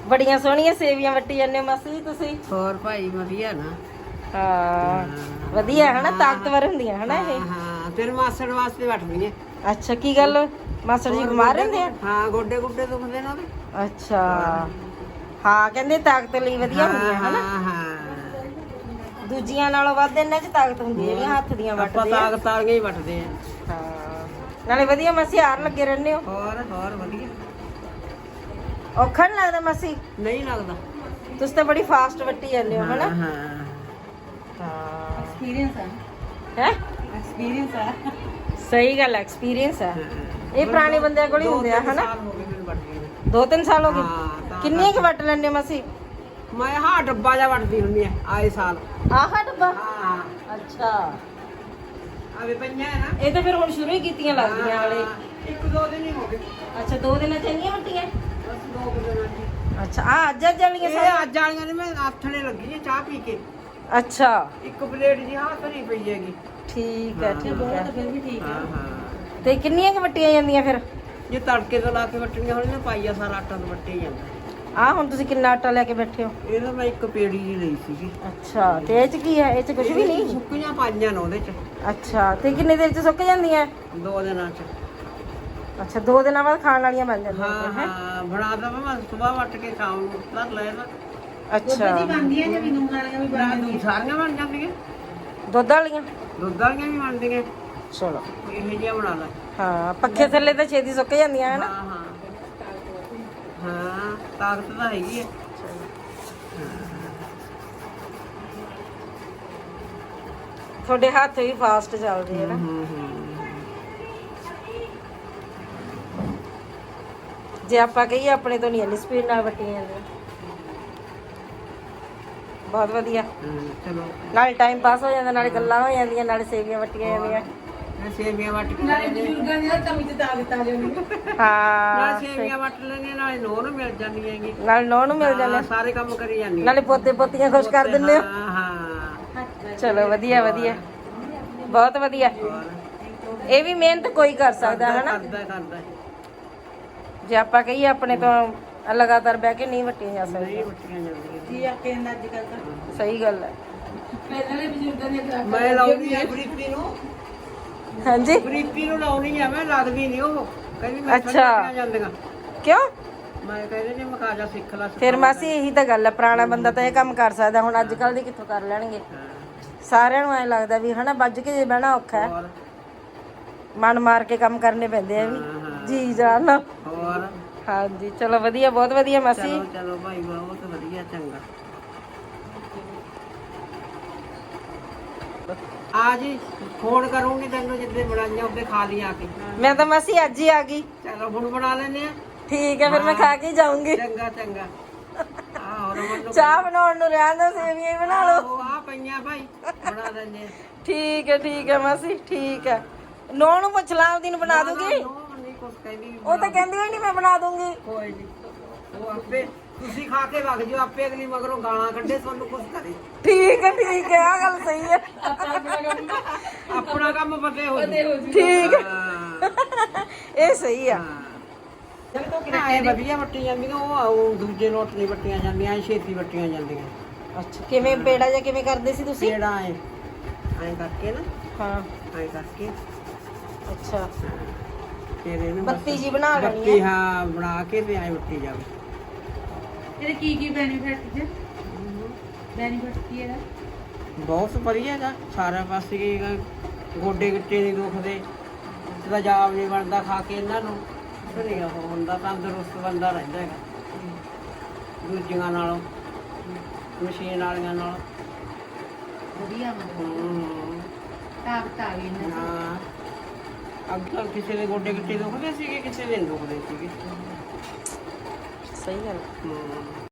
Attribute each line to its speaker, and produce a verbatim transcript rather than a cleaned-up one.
Speaker 1: ਬੜੀਆਂ ਸੋਹਣੀਆਂ ਸੇਵੀਆਂ ਵੱਟੀ ਜਾਂਦੇ ਹੋ ਮਾਸੀ ਜੀ ਤੁਸੀਂ।
Speaker 2: ਹੋਰ ਭਾਈ ਵਧੀਆ ਨਾ।
Speaker 1: ਹਾਂ ਵਧੀਆ ਹਨਾ, ਤਾਕਤਵਰ ਹੁੰਦੀਆਂ ਹਨਾ ਇਹ।
Speaker 2: ਹਾਂ ਤੇਰੇ ਮਾਸੜ ਵਾਸਤੇ ਵੱਟਦੀ ਐ।
Speaker 1: ਅੱਛਾ ਕੀ ਗੱਲ ਮਾਸੜ ਜੀ ਬਿਮਾਰ ਰਹਿੰਦੇ ਆ?
Speaker 2: ਹਾਂ ਗੋਡੇ ਗੁੱਡੇ ਦੁਖਦੇ ਨੇ ਉਹਦੇ।
Speaker 1: ਅੱਛਾ ਹਾਂ ਕਹਿੰਦੇ ਤਾਕਤ ਲਈ ਵਧੀਆ ਹੁੰਦੀਆਂ ਹਨਾ।
Speaker 2: ਹਾਂ ਹਾਂ
Speaker 1: ਦੂਜੀਆਂ ਨਾਲੋਂ ਵੱਧ ਇਹਨਾਂ 'ਚ ਤਾਕਤ ਹੁੰਦੀ ਹੈ ਜਿਹੜੀਆਂ ਹੱਥ ਦੀਆਂ ਵੱਟਦੇ ਆ।
Speaker 2: ਤਾਕਤ ਵਾਲੀਆਂ ਹੀ ਵੱਟਦੇ ਆ।
Speaker 1: ਹਾਂ ਨਾਲੇ ਵਧੀਆ ਮਾਸੀ ਹਾਰ ਲੱਗੇ ਰਹਿੰਦੇ ਹੋ।
Speaker 2: ਹੋਰ ਹੋਰ ਵਧੀਆ।
Speaker 1: ਔਖਾ ਨੀ ਲੱਗਦਾ ਮਾਸੀ?
Speaker 2: ਨਹੀਂ ਲੱਗਦਾ।
Speaker 1: ਤੁਸੀਂ ਤਾਂ ਬੜੀ ਫਾਸਟ ਵੱਟੀ ਜਾਂਦੇ ਹੋ ਹਨਾ।
Speaker 2: ਹਾਂ
Speaker 1: ਹਾਂ
Speaker 2: ਐਕਸਪੀਰੀਅੰਸ ਹੈ।
Speaker 1: ਹੈ
Speaker 2: ਐਕਸਪੀਰੀਅੰਸ ਹੈ।
Speaker 1: ਸਹੀ ਗੱਲ ਹੈ, ਐਕਸਪੀਰੀਅੰਸ ਹੈ। ਇਹ ਪੁਰਾਣੇ ਬੰਦਿਆਂ ਕੋਲ ਹੀ ਹੁੰਦੇ ਆ ਹਨਾ। ਦੋ ਤਿੰਨ ਸਾਲ ਹੋ ਗਏ। ਕਿੰਨੀਆਂ ਕੁ ਵੱਟ ਲੈਂਦੇ ਹੋ ਮਾਸੀ?
Speaker 2: ਮੈਂ ਹਾਂ ਡੱਬਾ ਜਿਹਾ ਵੱਟਦੀ ਹੁੰਦੀ ਆ ਆਏ ਸਾਲ।
Speaker 1: ਆਹ ਡੱਬਾ?
Speaker 2: ਹਾਂ
Speaker 1: ਅੱਛਾ
Speaker 2: ਆਵੇ ਪਈਆਂ ਹੈ ਨਾ।
Speaker 1: ਇਹ ਤਾਂ ਫਿਰ ਹੁਣ ਸ਼ੁਰੂ ਹੀ ਕੀਤੀਆਂ ਲੱਗਦੀਆਂ ਵਾਲੇ।
Speaker 2: ਇੱਕ ਦੋ ਦਿਨ ਹੀ ਹੋ ਗਏ।
Speaker 1: ਅੱਛਾ ਦੋ ਦਿਨਾਂ ਚ ਇੰਨੀਆਂ ਵੱਟੀਆਂ?
Speaker 2: ਬਸ ਦੋ ਕੁ ਦਿਨਾਂ ਚ।
Speaker 1: ਅੱਛਾ ਆ ਅੱਜ ਅੱਜ ਵਾਲੀਆਂ
Speaker 2: ਇਹ
Speaker 1: ਸਾਰੀਆਂ?
Speaker 2: ਅੱਜ ਵਾਲੀਆਂ ਨੇ ਮੈਂ ਆਥਣੇ ਲੱਗੀ ਆ ਚਾਹ ਪੀ ਕੇ।
Speaker 1: ਅੱਛਾ
Speaker 2: ਇੱਕ ਪਲੇਟ ਜੀ ਹਾਂ ਧਰੀ ਪਈ ਹੈਗੀ।
Speaker 1: ਠੀਕ ਹੈ ਠੀਕ ਹੈ।
Speaker 2: ਫਿਰ ਵੀ ਠੀਕ ਹੈ। ਹਾਂ
Speaker 1: ਤੇ ਕਿੰਨੀਆਂ ਕੁ ਵੱਟੀਆਂ ਜਾਂਦੀਆਂ ਫਿਰ?
Speaker 2: ਜੇ ਤੜਕੇ ਤੋਂ ਲਾ ਕੇ ਵੱਟਣੀਆਂ ਹੋਣ ਨਾ ਪਾਈਆ ਸਾਰਾ ਆਟਾ ਤਾਂ ਵੱਟੇ ਜਾਂਦਾ।
Speaker 1: ਆ ਹੁਣ ਤੁਸੀਂ ਕਿੰਨਾ ਆਟਾ ਲੈ ਕੇ ਬੈਠੇ ਹੋ?
Speaker 2: ਇਹ ਤਾਂ ਮੈਂ ਇੱਕ ਪੇੜੀ ਜੀ ਲਈ ਸੀਗੀ।
Speaker 1: ਅੱਛਾ ਤੇ ਇਹ ਚ ਕੀ ਹੈ? ਇਹ ਚ ਕੁਝ ਵੀ ਨਹੀਂ?
Speaker 2: ਸੁੱਕੀਆਂ ਪਾਈਆਂ ਨੇ ਉਹਦੇ ਚ।
Speaker 1: ਅੱਛਾ ਤੇ ਕਿੰਨੇ ਦੇਰ ਚ ਸੁੱਕ ਜਾਂਦੀਆਂ?
Speaker 2: ਦੋ ਦਿਨਾਂ ਚ।
Speaker 1: ਅੱਛਾ ਦੋ ਦਿਨਾਂ ਬਾਅਦ ਖਾਣ ਵਾਲੀਆਂ ਬਣ ਜਾਂਦੀਆਂ
Speaker 2: ਹਾਂ
Speaker 1: ਹੈ?
Speaker 2: ਹਾਂ ਬਣਾ ਦਵਾਂ ਮੈਂ ਸਵੇਰ ਵੱਟ ਕੇ ਸ਼ਾਮ ਨੂੰ ਧਰ ਲੈ ਨਾ।
Speaker 1: ਅੱਛਾ
Speaker 2: ਬਣਦੀਆਂ ਜਾਂ ਵੀ ਨੂਨ ਵਾਲੀਆਂ ਵੀ ਬਣਦੀਆਂ? ਸਾਰੀਆਂ ਬਣ ਜਾਂਦੀਆਂ।
Speaker 1: ਦੁੱਧ ਵਾਲੀਆਂ?
Speaker 2: ਦੁੱਧ ਵਾਲੀਆਂ ਵੀ ਬਣਦੀਆਂ।
Speaker 1: ਚਲੋ
Speaker 2: ਇਹੋ ਜਿਹੀਆਂ ਬਣਾ ਲੈ।
Speaker 1: ਹਾਂ ਪੱਖੇ ਥੱਲੇ ਤਾਂ ਛੇਤੀ ਸੁੱਕ ਜਾਂਦੀਆਂ ਹੈ ਨਾ।
Speaker 2: ਹਾਂ ਹਾਂ ਹਾਂ ਤਾਕਤ ਤਾਂ ਹੈਗੀ ਹੈ।
Speaker 1: ਤੁਹਾਡੇ ਹੱਥ ਵੀ ਫਾਸਟ ਚੱਲਦੇ ਆ ਨਾ।
Speaker 2: ਹੂੰ ਹੂੰ
Speaker 1: ਜੇ ਆਪਾਂ ਕਹੀਏ ਆਪਣੇ ਤੋਂ ਨਹੀਂ ਇੰਨੀ ਸਪੀਡ ਨਾਲ ਵੱਟੀਆਂ ਜਾਂਦੀਆਂ। ਬਹੁਤ ਵਧੀਆ।
Speaker 2: ਚਲੋ
Speaker 1: ਨਾਲੇ ਟਾਈਮ ਪਾਸ ਹੋ ਜਾਂਦਾ, ਨਾਲੇ ਗੱਲਾਂ ਹੋ ਜਾਂਦੀਆਂ, ਨਾਲੇ ਸੇਵੀਆਂ ਵੱਟੀਆਂ ਜਾਂਦੀਆਂ।
Speaker 2: ਮੈਂ ਸੇਵੀਆਂ ਵੱਟ ਕੇ ਨਾਲੇ ਬਜ਼ੁਰਗਾਂ ਦੀ ਕਮੀ ਤੇ ਤਾਕਤ ਆ ਜਾਂਦੀ ਹੈ।
Speaker 1: ਹਾਂ
Speaker 2: ਨਾਲੇ ਸੇਵੀਆਂ ਵੱਟ ਲੈਣੇ ਨਾਲੇ ਨੋਹ ਨੂੰ ਮਿਲ ਜਾਂਦੀ ਹੈਗੀ।
Speaker 1: ਨਾਲੇ ਨੌਂ ਨੂੰ ਮਿਲ ਜਾਂਦੇ,
Speaker 2: ਸਾਰੇ ਕੰਮ ਕਰੀ ਜਾਂਦੀ।
Speaker 1: ਨਾਲੇ ਪੋਤੇ ਪੋਤੀਆਂ ਖੁਸ਼ ਕਰ ਦਿੰਦੇ ਹੋ।
Speaker 2: ਹਾਂ ਹਾਂ
Speaker 1: ਚਲੋ ਵਧੀਆ ਵਧੀਆ ਬਹੁਤ ਵਧੀਆ। ਇਹ ਵੀ ਮਿਹਨਤ ਕੋਈ ਕਰ ਸਕਦਾ ਹੈ ਨਾ।
Speaker 2: ਕਰਦਾ ਕਰਦਾ
Speaker 1: ਜੇ ਆਪਾਂ ਕਹੀਏ ਆਪਣੇ ਤੋਂ ਲਗਾਤਾਰ ਬਹਿ ਕੇ ਨਹੀਂ ਵੱਟੀਆਂ ਜਾ ਸਕਦੀਆਂ।
Speaker 2: ਵੱਟੀਆਂ ਜਾਂਦੀਆਂ ਕੀ ਆਖੇ ਨਾ ਅੱਜ ਕੱਲ ਤਾਂ।
Speaker 1: ਸਹੀ ਗੱਲ ਹੈ।
Speaker 2: ਪਹਿਲੇ ਬਜ਼ੁਰਗਾਂ ਨੇ ਮੈਂ ਲਾਉਂਦੀ ਆ ਬਰੀਕੀ ਨੂੰ।
Speaker 1: ਹਾਂਜੀ
Speaker 2: ਬਰੀਕੀ ਨੂੰ ਲਾਉਣੀ ਆ ਮੈਂ, ਲੱਗਦੀ ਨਹੀਂ ਉਹ ਕਹਿੰਦੀ ਮੈਂ
Speaker 1: ਅੱਛਾ
Speaker 2: ਜਾਂਦੀਆਂ।
Speaker 1: ਕਿਉਂ?
Speaker 2: ਮੈਂ ਕਹਿੰਦੇ ਨੇ ਮੈਂ ਕਾਜਾ ਸਿੱਖ ਲਾ।
Speaker 1: ਫਿਰ ਮਾਸੀ ਇਹੀ ਤਾਂ ਗੱਲ ਹੈ, ਪੁਰਾਣਾ ਬੰਦਾ ਤਾਂ ਇਹ ਕੰਮ ਕਰ ਸਕਦਾ, ਹੁਣ ਅੱਜ ਕੱਲ ਦੀ ਕਿੱਥੋਂ ਕਰ ਲੈਣਗੇ। ਸਾਰਿਆਂ ਨੂੰ ਐਂ ਲੱਗਦਾ ਵੀ ਹਨਾ ਵੱਜ ਕੇ ਜੇ ਬਹਿਣਾ ਔਖਾ ਹੈ, ਮਨ ਮਾਰ ਕੇ ਕੰਮ ਕਰਨੇ ਪੈਂਦੇ ਆ ਵੀ ਜੀ ਜਾਨ।
Speaker 2: ਹੋਰ
Speaker 1: ਹਾਂਜੀ ਚਲੋ ਵਧੀਆ ਬਹੁਤ ਵਧੀਆ ਮਾਸੀ।
Speaker 2: ਚਲੋ ਚਲੋ ਭਾਈ ਬਹੁਤ ਵਧੀਆ ਚੰਗਾ। ਆ ਜੀ ਫੋਨ ਕਰੂੰਗੀ ਤੈਨੂੰ ਜਿੱਦੇ ਬਣਾਈਆਂ ਉਹਦੇ ਖਾ ਲਈ ਆ ਕੇ।
Speaker 1: ਮੈਂ ਤਾਂ ਮਾਸੀ ਅੱਜ ਹੀ ਆ ਗਈ।
Speaker 2: ਚਲੋ ਹੁਣ ਬਣਾ ਲੈਨੇ ਆ।
Speaker 1: ਠੀਕ ਹੈ ਫਿਰ ਮੈਂ ਖਾ ਕੇ ਜਾਊਂਗੀ।
Speaker 2: ਚੰਗਾ ਚੰਗਾ। ਆਹ ਹੋਰ
Speaker 1: ਚਾਹ ਬਣਾਉਣ ਨੂੰ ਰਹਿਣ ਦੋ, ਸੇਵੀਆਂ ਹੀ ਬਣਾ ਲਓ।
Speaker 2: ਆ ਪਈਆਂ ਭਾਈ ਬਣਾ ਲੈਨੇ ਆ।
Speaker 1: ਠੀਕ ਹੈ ਠੀਕ ਹੈ ਮਾਸੀ ਠੀਕ ਹੈ। ਨੌ ਨੂੰ ਪੁੱਛ ਲਾਂ ਉਹਦੀ ਨੂੰ ਬਣਾ ਦੂੰਗੀ।
Speaker 2: ਨਹੀਂ ਕੁਛ ਕਹਿੰਦੀ।
Speaker 1: ਉਹ ਤਾਂ ਕਹਿੰਦੀ ਹੋਈ ਨਹੀਂ ਮੈਂ ਬਣਾ ਦੂੰਗੀ।
Speaker 2: ਕੋਈ ਨਹੀਂ ਉਹ ਆਪੇ ਤੁਸੀਂ ਖਾ ਕੇ ਵਗ ਜਾਓ, ਆਪੇ ਅਗਲੀ ਮਗਰੋਂ ਗਾਲਾਂ ਕੱਢੇ ਤੁਹਾਨੂੰ ਕੁਛ ਕਰੇ।
Speaker 1: ਠੀਕ ਹੈ ਠੀਕ ਹੈ ਆ ਗੱਲ ਸਹੀ ਹੈ।
Speaker 2: ਆਪਣਾ ਕੰਮ ਪਤੇ ਹੋ ਜੂ।
Speaker 1: ਠੀਕ ਹੈ ਇਹ ਸਹੀ ਆ।
Speaker 2: ਇਹ ਵਧੀਆ ਵੱਟੀ ਜਾਂਦੀਆਂ ਉਹ ਆਉ ਦੂਜੇ ਨੋਟ ਨਹੀਂ ਵੱਟੀਆਂ ਜਾਂਦੀਆਂ, ਐ ਛੇਤੀ ਵੱਟੀਆਂ ਜਾਂਦੀਆਂ।
Speaker 1: ਅੱਛਾ ਕਿਵੇਂ ਪੇੜਾ ਜਾਂ ਕਿਵੇਂ ਕਰਦੇ ਸੀ ਤੁਸੀਂ?
Speaker 2: ਪੇੜਾ ਐ ਐ ਕਰਕੇ ਨਾ।
Speaker 1: ਹਾਂ
Speaker 2: ਐ ਕਰਕੇ
Speaker 1: ਅੱਛਾ
Speaker 2: ਫਿਰ ਇਹਨੂੰ
Speaker 1: ਬੱਤੀ ਜੀ ਬਣਾ ਲੈਣੀ
Speaker 2: ਬੱਤੀ
Speaker 1: ਹੈ।
Speaker 2: ਹਾਂ ਬਣਾ ਕੇ ਤੇ ਐ ਵੱਟੀ ਜਾਵੇ।
Speaker 3: ਇਹਦੇ ਕੀ ਕੀ ਬੈਨੀਫਿਟ ਜੇ? ਬੈਨੀਫਿਟ ਕੀ ਇਹਦਾ?
Speaker 2: ਬਹੁਤ ਵਧੀਆ ਹੈਗਾ ਸਾਰਾ ਪਾਸੇ ਕੀ ਗੋਡੇ ਗਿੱਟੇ ਨਹੀਂ ਦੁਖਦੇ, ਤੇਜ਼ਾਬ ਨਹੀਂ ਬਣਦਾ ਖਾ ਕੇ ਇਹਨਾਂ ਨੂੰ। ਨਹੀਂ ਉਹ ਹੁੰਦਾ ਤੰਦਰੁਸਤ ਬੰਦਾ ਰਹਿੰਦਾ ਹੈਗਾ ਦੂਜੀਆਂ ਨਾਲੋਂ, ਮਸ਼ੀਨ ਵਾਲੀਆਂ ਨਾਲੋਂ
Speaker 3: ਵਧੀਆ ਮਤਲਬ ਤਾਕਤ ਆ ਗਈ ਇਹਨਾਂ 'ਚ।
Speaker 2: ਹਾਂ ਅੱਗੇ ਕਿਸੇ ਦੇ ਗੋਡੇ ਗਿੱਟੇ ਦੁਖਦੇ ਸੀਗੇ, ਕਿਸੇ ਦੇ ਨਹੀਂ ਦੁਖਦੇ ਸੀਗੇ।
Speaker 1: ਸਹੀ ਗੱਲ।
Speaker 2: ਹੂੰ